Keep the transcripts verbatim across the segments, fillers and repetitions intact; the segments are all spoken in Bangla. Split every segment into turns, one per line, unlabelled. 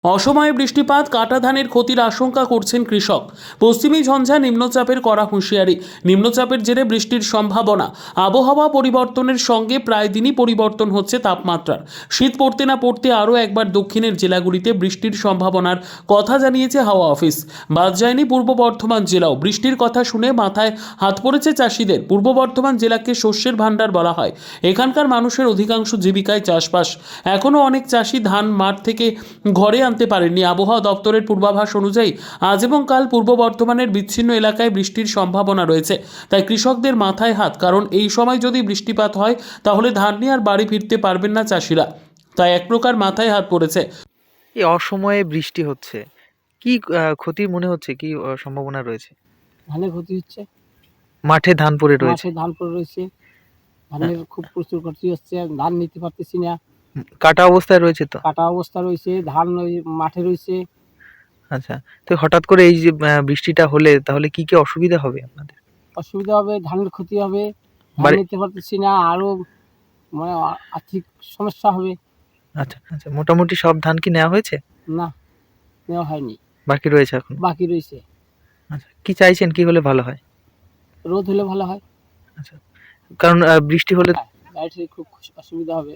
অসময়ে বৃষ্টিপাত কাটা ধানের ক্ষতির আশঙ্কা করছেন কৃষক। পশ্চিমী ঝঞ্ঝা নিম্নচাপের কড়া হুঁশিয়ারি। নিম্নচাপের জেরে বৃষ্টির সম্ভাবনা। আবহাওয়া পরিবর্তনের সঙ্গে প্রায় দিনই পরিবর্তন হচ্ছে তাপমাত্রার। শীত পড়তে না পড়তে আরও একবার দক্ষিণের জেলাগুলিতে বৃষ্টির সম্ভাবনার কথা জানিয়েছে হাওয়া অফিস। বাদ যায়নি পূর্ব বর্ধমান জেলাও। বৃষ্টির কথা শুনে মাথায় হাত পড়েছে চাষিদের। পূর্ব বর্ধমান জেলাকে শস্যের ভাণ্ডার বলা হয়। এখানকার মানুষের অধিকাংশ জীবিকায় চাষবাস। এখনও অনেক চাষি ধান মাঠ থেকে ঘরে আনতে পারেননি। আবহাওয়া দপ্তরের পূর্বাভাস অনুযায়ী আজ এবং কাল পূর্ব বর্ধমানের বিচ্ছিন্ন এলাকায় বৃষ্টির সম্ভাবনা রয়েছে। তাই কৃষকদের মাথায় হাত, কারণ এই সময় যদি বৃষ্টিপাত হয় তাহলে ধান নিয়ে আর বাড়ি ফিরতে পারবেন না চাষিরা। তাই এক প্রকার মাথায় হাত পড়েছে।
এই অসময়ে বৃষ্টি হচ্ছে, কি আহ, ক্ষতির মনে হচ্ছে, কি আহ, সম্ভাবনা রয়েছে?
ধানের ক্ষতি হচ্ছে,
মাঠে ধান পড়ে রয়েছে,
মাঠে ধান পড়ে রয়েছে, ধানের খুব প্রচুর ক্ষতি হচ্ছে, ধান নিতে পারতেছি না,
কাটা অবস্থায় রয়েছে তো।
কাটা অবস্থা রয়েছে, ধান ওই মাঠে রয়েছে।
আচ্ছা, তো হঠাৎ করে এই যে আহ, বৃষ্টিটা হলে তাহলে কি কি অসুবিধা হবে আপনাদের?
অসুবিধা হবে, ধানের ক্ষতি হবে, ধান
বাড়ি-
নিতে পারতেছি না, আরো মানে আ- আর্থিক সমস্যা হবে।
আচ্ছা আচ্ছা, মোটামুটি সব ধান কি নেওয়া হয়েছে?
না, নেওয়া হয়নি,
বাকি রয়েছে এখন।
বাকি রয়েছে।
আচ্ছা, কি চাইছেন, কি হলে ভালো হয়?
রোদ হলে ভালো হয়,
আচ্ছা, কারণ আহ, বৃষ্টি হলে
লাইটের খুব অসুবিধা হবে।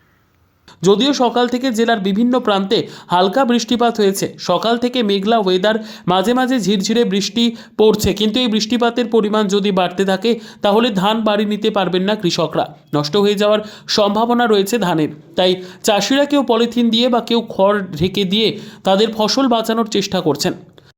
যদিও সকাল থেকে জেলার বিভিন্ন প্রান্তে হালকা বৃষ্টিপাত হয়েছে। সকাল থেকে মেঘলা ওয়েদার, মাঝে মাঝে ঝিরঝিরে বৃষ্টি পড়ছে, কিন্তু এই বৃষ্টিপাতের পরিমাণ যদি বাড়তে থাকে তাহলে ধান বাড়ি নিতে পারবেন না কৃষকরা। নষ্ট হয়ে যাওয়ার সম্ভাবনা রয়েছে ধানের। তাই চাষিরা কেউ পলিথিন দিয়ে বা কেউ খড় ঢেকে দিয়ে তাদের ফসল বাঁচানোর চেষ্টা করছেন।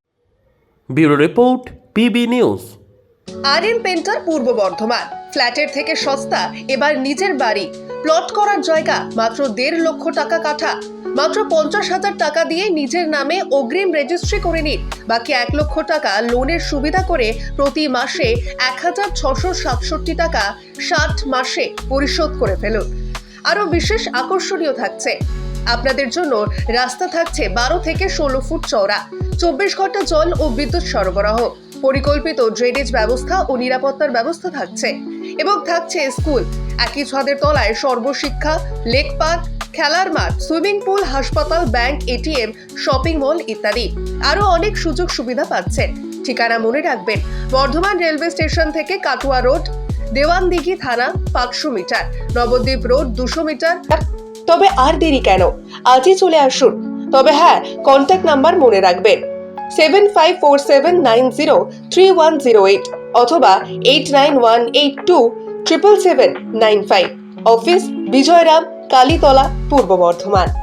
Bureau report, PB news.
আর এম পেন্টার পূর্ব বর্ধমান। ফ্ল্যাটের থেকে সস্তা এবার নিজের বাড়ি। প্লট করার জায়গা মাত্র দেড় লক্ষ টাকা কাঠা। মাত্র পঞ্চাশ হাজার টাকা দিয়ে নিজের নামে অগ্রিম রেজিস্ট্রি করে নিন। বাকি এক লক্ষ টাকা লোনের সুবিধা করে প্রতি মাসে এক হাজার ছশো সাতষট্টি টাকা ষাট মাসে পরিশোধ করে ফেলুন। আরও বিশেষ আকর্ষণীয় থাকছে, আপনাদের জন্য রাস্তা থাকছে বারো থেকে ষোলো ফুট চওড়া, চব্বিশ ঘন্টা জল ও বিদ্যুৎ সরবরাহ, পরিকল্পিত ড্রেনেজ ব্যবস্থা ও নিরাপত্তার ব্যবস্থা থাকছে এবং থাকছে স্কুল। একই ছাদের তলায় সর্বশিক্ষা, লেক পার্ক, খেলার মাঠ, সুইমিং পুল, হাসপাতাল, ব্যাংক, এটিএম, শপিং মল ইত্যাদি আরো অনেক সুযোগ সুবিধা পাচ্ছেন। ঠিকানা মনে রাখবেন, বর্ধমান রেলওয়ে স্টেশন থেকে কাটুয়া রোড, দেওয়ানদিঘি থানা পাঁচশো মিটার, নবদ্বীপ রোড দুশো মিটার। তবে আর দেরি কেন, আজই চলে আসুন। তবে হ্যাঁ, কন্ট্যাক্ট নাম্বার মনে রাখবেন, seven five four seven nine zero three one zero eight অথবা eight nine one eight two triple seven nine five. Office Bijoyram, Kalitala, Purba Bardhaman.